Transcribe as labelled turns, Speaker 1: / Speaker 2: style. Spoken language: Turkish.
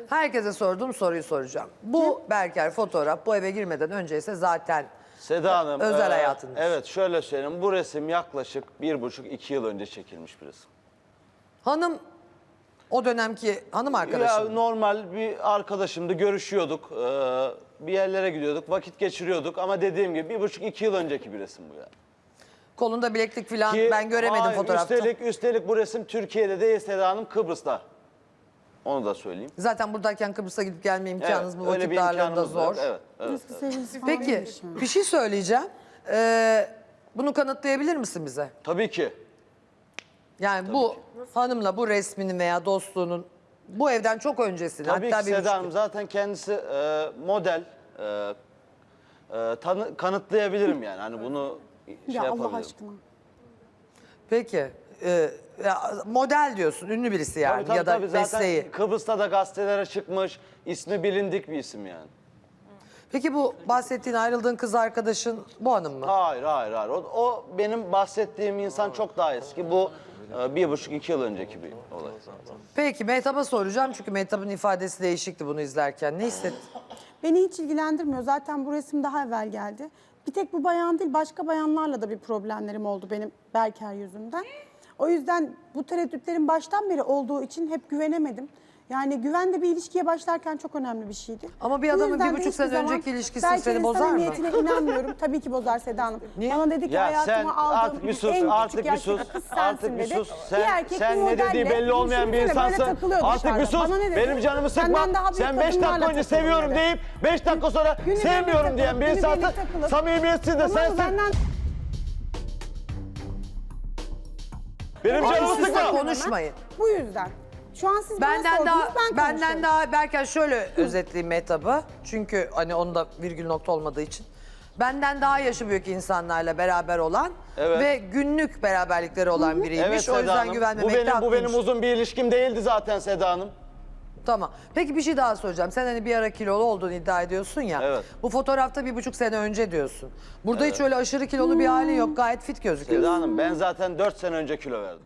Speaker 1: Herkese sorduğum soruyu soracağım. Bu Berker fotoğraf bu eve girmeden önceyse zaten
Speaker 2: Seda Hanım,
Speaker 1: özel hayatınız.
Speaker 2: Evet, şöyle söyleyeyim. Bu resim yaklaşık 1,5-2 yıl önce çekilmiş bir resim.
Speaker 1: Hanım o dönemki hanım
Speaker 2: Ya
Speaker 1: arkadaşım.
Speaker 2: normal bir arkadaşımdı, görüşüyorduk. Bir yerlere gidiyorduk, vakit geçiriyorduk. Ama dediğim gibi 1,5-2 yıl önceki bir resim bu yani.
Speaker 1: Kolunda bileklik falan
Speaker 2: Ki-
Speaker 1: ben göremedim
Speaker 2: Hayır,
Speaker 1: fotoğrafta.
Speaker 2: Üstelik bu resim Türkiye'de değil Seda Hanım, Kıbrıs'ta. Onu da söyleyeyim.
Speaker 1: Zaten buradayken Kıbrıs'a gidip gelme imkanınız bu
Speaker 2: öyle
Speaker 1: vakit
Speaker 2: bir
Speaker 1: darlığında
Speaker 2: imkanımız da yok.
Speaker 1: zor.
Speaker 2: Evet.
Speaker 1: Peki bir şey söyleyeceğim. Bunu kanıtlayabilir misin bize?
Speaker 2: Tabii ki.
Speaker 1: Yani bu hanımla bu resminin veya dostluğunun bu evden çok öncesini
Speaker 2: Tabii
Speaker 1: hatta
Speaker 2: ki
Speaker 1: bir
Speaker 2: Seda Hanım, zaten kendisi model. Kanıtlayabilirim yani. Hani bunu
Speaker 3: Ya Allah
Speaker 2: yapabilirim.
Speaker 3: aşkına.
Speaker 1: Peki ya, model diyorsun ünlü birisi yani
Speaker 2: Tabii,
Speaker 1: ya da
Speaker 2: zaten
Speaker 1: mesleği.
Speaker 2: Kıbrıs'ta da gazetelere çıkmış, ismi bilindik bir isim yani.
Speaker 1: Peki bu bahsettiğin ayrıldığın kız arkadaşın bu hanım mı?
Speaker 2: Hayır. O benim bahsettiğim insan çok daha eski. Bu 1,5-2 yıl önceki bir olay.
Speaker 1: Peki Mehtap'a soracağım çünkü Mehtap'ın ifadesi değişikti bunu izlerken. Ne hissettin?
Speaker 3: Beni hiç ilgilendirmiyor. Zaten bu resim daha evvel geldi. Bir tek bu bayan değil, başka bayanlarla da bir problemlerim oldu benim Berker yüzünden. O yüzden bu tereddütlerin baştan beri olduğu için hep güvenemedim. Yani güven de bir ilişkiye başlarken çok önemli bir şeydi.
Speaker 1: Ama bir
Speaker 3: Bu
Speaker 1: adamın
Speaker 3: yüzden de
Speaker 1: 1,5
Speaker 3: hiçbir
Speaker 1: sene
Speaker 3: zaman
Speaker 1: önceki ilişkisi
Speaker 3: Berker'in
Speaker 1: seni bozar mı?
Speaker 3: samimiyetine inanmıyorum. Tabii ki bozar Seda Hanım.
Speaker 1: Niye?
Speaker 3: Bana dedi ki
Speaker 2: Ya sen
Speaker 3: hayatıma aldığım
Speaker 2: artık bir sus,
Speaker 3: en
Speaker 2: artık
Speaker 3: küçük
Speaker 2: bir sus,
Speaker 3: yaştaki kız
Speaker 2: artık
Speaker 3: sensin
Speaker 2: bir
Speaker 3: dedi.
Speaker 2: sus.
Speaker 3: Bir erkek
Speaker 2: Sen
Speaker 3: bir
Speaker 2: ne dediği
Speaker 3: modelle
Speaker 2: belli olmayan bir
Speaker 3: düşünsene böyle
Speaker 2: insansın.
Speaker 3: takılıyor
Speaker 2: Artık bir
Speaker 3: dışarıda.
Speaker 2: sus.
Speaker 3: Bana ne dedi?
Speaker 2: Benim canımı sıkma.
Speaker 3: Senden daha büyük
Speaker 2: Sen 5 dakika
Speaker 3: kadınlarla
Speaker 2: önce
Speaker 3: takıldım
Speaker 2: seviyorum
Speaker 3: dedi.
Speaker 2: deyip 5 dakika sonra
Speaker 3: Günübirlik
Speaker 2: sevmiyorum diyen bir
Speaker 3: takılıp,
Speaker 2: insansın.
Speaker 3: günübirlik takılıp.
Speaker 2: Samimiyetsiz de
Speaker 3: Tamam mı?
Speaker 2: sensin.
Speaker 3: Benden
Speaker 2: Benim canımı
Speaker 1: Üst üste
Speaker 2: sıkma.
Speaker 1: konuşmayın.
Speaker 3: bu yüzden. Şu an siz bana
Speaker 1: Benden
Speaker 3: sordunuz,
Speaker 1: daha
Speaker 3: ben
Speaker 1: benden
Speaker 3: konuşuyorum.
Speaker 1: daha Berker şöyle özetleyeyim Mehtap'ı. Çünkü hani onun da virgül nokta olmadığı için. Benden daha yaşı büyük insanlarla beraber olan
Speaker 2: Evet.
Speaker 1: ve günlük beraberlikleri olan biriymiş.
Speaker 2: Evet
Speaker 1: o
Speaker 2: Seda
Speaker 1: yüzden
Speaker 2: Hanım.
Speaker 1: güvenmemekte
Speaker 2: Bu benim
Speaker 1: haklıymış.
Speaker 2: uzun bir ilişkim değildi zaten Seda Hanım.
Speaker 1: Tamam. Peki bir şey daha soracağım. Sen hani bir ara kilolu olduğunu iddia ediyorsun ya.
Speaker 2: Evet.
Speaker 1: Bu fotoğrafta 1,5 sene önce diyorsun. Burada hiç öyle aşırı kilolu bir halin yok. Gayet fit gözüküyorsun.
Speaker 2: Seda Hanım, ben zaten 4 sene önce kilo verdim.